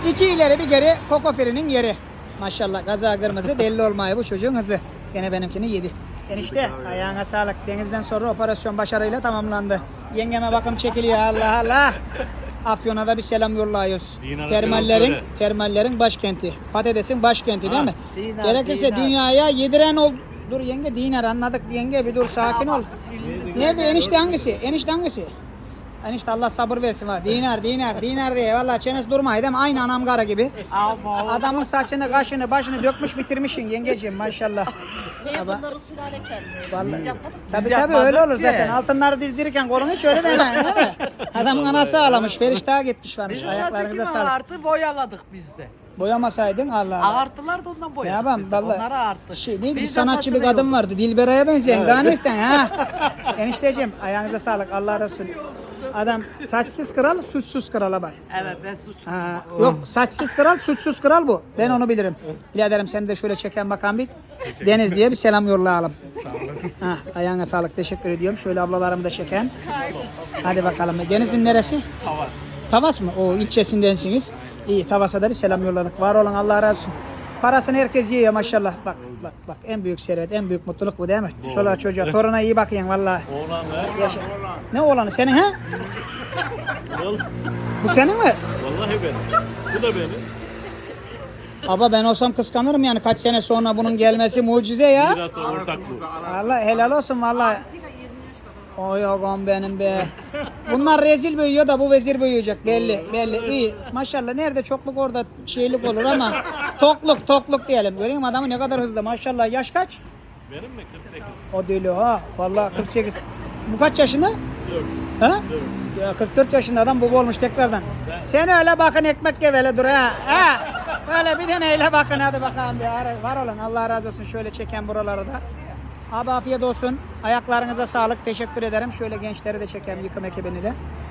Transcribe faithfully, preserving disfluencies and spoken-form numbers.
İki ileri bir geri Kokofiri'nin yeri. Maşallah gaza kırmızı belli olmuyor bu çocuğun hızı. Gene benimkini yedi. Enişte ayağına sağlık. Denizden sonra operasyon başarıyla tamamlandı. Yengeme bakım çekiliyor Allah Allah. Afyon'a da bir selam yolluyoruz. Dinar'a Termallerin, selam söyle. termallerin başkenti. Patatesin başkenti değil mi? Dinar, Gerekirse dinar. dünyaya yediren ol. Dur yenge dinar anladık yenge bir dur sakin ol. Nerede enişte hangisi? Enişte hangisi? Enişte Allah sabır versin var. Dinar dinar dinar diye vallahi çenesi durmaydı değil mi? Aynı anam kara gibi. Ama Adamın saçını, kaşını, başını dökmüş bitirmişsin yengeciğim maşallah. Ne Baba. bunların sülale kendi. Vallahi. Biz yapmadık. Tabii Biz tabii yapmadık öyle olur ki. zaten. Altınları dizdirirken kolunu şöyle demeyin değil mi? Adamın anası ağlamış, periştaha gitmiş varmış. bizim Ayaklarınıza saçı sağlık. ağartı boyaladık biz de. Boyamasaydın Allah Allah. Ağarttılar da ondan Ne boyadık yapalım biz de. vallahi. Onları ağarttık. Şey, neydi bir Biz de sanatçı bir saçını kadın yolduk. vardı. Dilberay'a benzeyen. Daha ne isten ha? Enişteciğim ayağınıza sağlık. Allah razı olsun. Adam saçsız kral, suçsuz krala bay. Evet ben suç. Ha, yok saçsız kral, suçsuz kral bu. Ben onu bilirim. Biraderim seni de şöyle çeken bakan bir Deniz diye bir selam yollayalım. Sağ olasın. Ha, ayağına sağlık teşekkür ediyorum. Şöyle ablalarımı da çeken. Hadi bakalım. Deniz'in neresi? Tavas. Tavas mı? O ilçesindensiniz. İyi Tavas'a da bir selam yolladık. Var olun Allah razı olsun. Parasını herkes yiyor maşallah. Bak bak bak en büyük servet, en büyük mutluluk bu değil mi? Çoluğa çocuğa, toruna iyi bakın vallahi. Oğlan be. Ne oğlanı senin ha? Vallahi, Bu senin mi? vallahi benim. Bu da benim. Aba ben olsam kıskanırım yani kaç sene sonra bunun gelmesi mucize ya. Biraz da ortak bu. Allah helal olsun vallahi. Oy oğlum benim be. Bunlar rezil büyüyor da bu vezir büyüyecek belli belli iyi. Maşallah nerede çokluk orada şeylik olur ama tokluk tokluk diyelim. Göreyim adamı ne kadar hızlı maşallah. Yaş kaç? Benim mi? kırk sekiz. O değil o ha. Vallahi kırk sekiz. Bu kaç yaşında? Yok. Ha? Ya kırk dört yaşında adam baba olmuş tekrardan. Sen öyle bakın ekmek gevele dur ha. Ha? Öyle bir tane öyle bakın hadi bakalım bir ara- var olun. Allah razı olsun şöyle çeken buraları da. Abi afiyet olsun. Ayaklarınıza sağlık. Teşekkür ederim. Şöyle gençleri de çekeyim yıkım ekibini de.